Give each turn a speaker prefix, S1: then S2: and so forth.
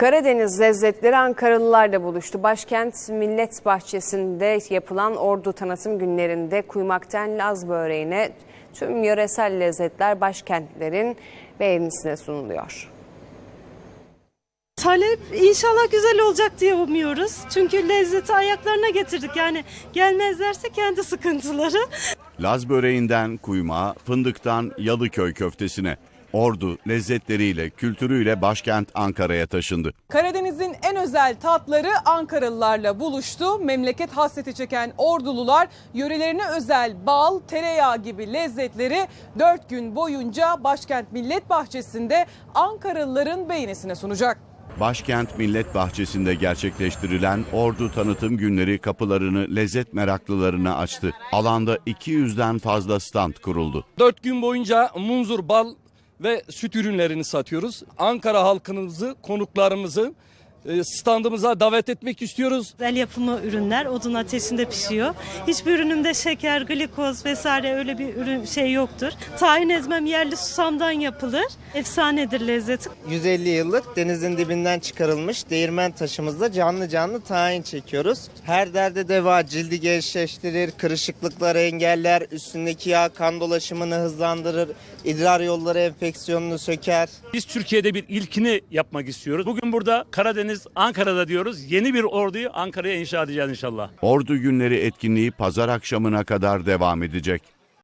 S1: Karadeniz lezzetleri Ankaralılarla buluştu. Başkent Millet Bahçesi'nde yapılan Ordu Tanıtım Günlerinde kuymaktan Laz böreğine tüm yöresel lezzetler başkentlerin beğenisine sunuluyor.
S2: Talep inşallah güzel olacak diye umuyoruz. Çünkü lezzeti ayaklarına getirdik. Yani gelmezlerse kendi sıkıntıları.
S3: Laz böreğinden kuymağa, fındıktan Yalıköy köftesine. Ordu lezzetleriyle, kültürüyle başkent Ankara'ya taşındı.
S4: Karadeniz'in en özel tatları Ankaralılarla buluştu. Memleket hasreti çeken Ordulular yörelerine özel bal, tereyağı gibi lezzetleri 4 gün boyunca başkent Millet Bahçesi'nde Ankaralıların beğenisine sunacak.
S3: Başkent Millet Bahçesi'nde gerçekleştirilen Ordu Tanıtım Günleri kapılarını lezzet meraklılarına açtı. Alanda 200'den fazla stand kuruldu.
S5: 4 gün boyunca munzur, bal ve süt ürünlerini satıyoruz. Ankara halkımızı, konuklarımızı standımıza davet etmek istiyoruz.
S2: El yapımı ürünler odun ateşinde pişiyor. Hiçbir ürünümde şeker, glikoz vesaire öyle bir ürün yoktur. Tahin ezmem yerli susamdan yapılır. Efsanedir lezzeti.
S6: 150 yıllık denizin dibinden çıkarılmış değirmen taşımızda canlı canlı tahin çekiyoruz. Her derde deva, cildi gençleştirir, kırışıklıkları engeller, üstündeki yağ kan dolaşımını hızlandırır, idrar yolları enfeksiyonunu söker.
S7: Biz Türkiye'de bir ilkini yapmak istiyoruz. Bugün burada Karadeniz, Ankara'da diyoruz. Yeni bir orduyu Ankara'ya inşa edeceğiz inşallah.
S3: Ordu Günleri etkinliği pazar akşamına kadar devam edecek.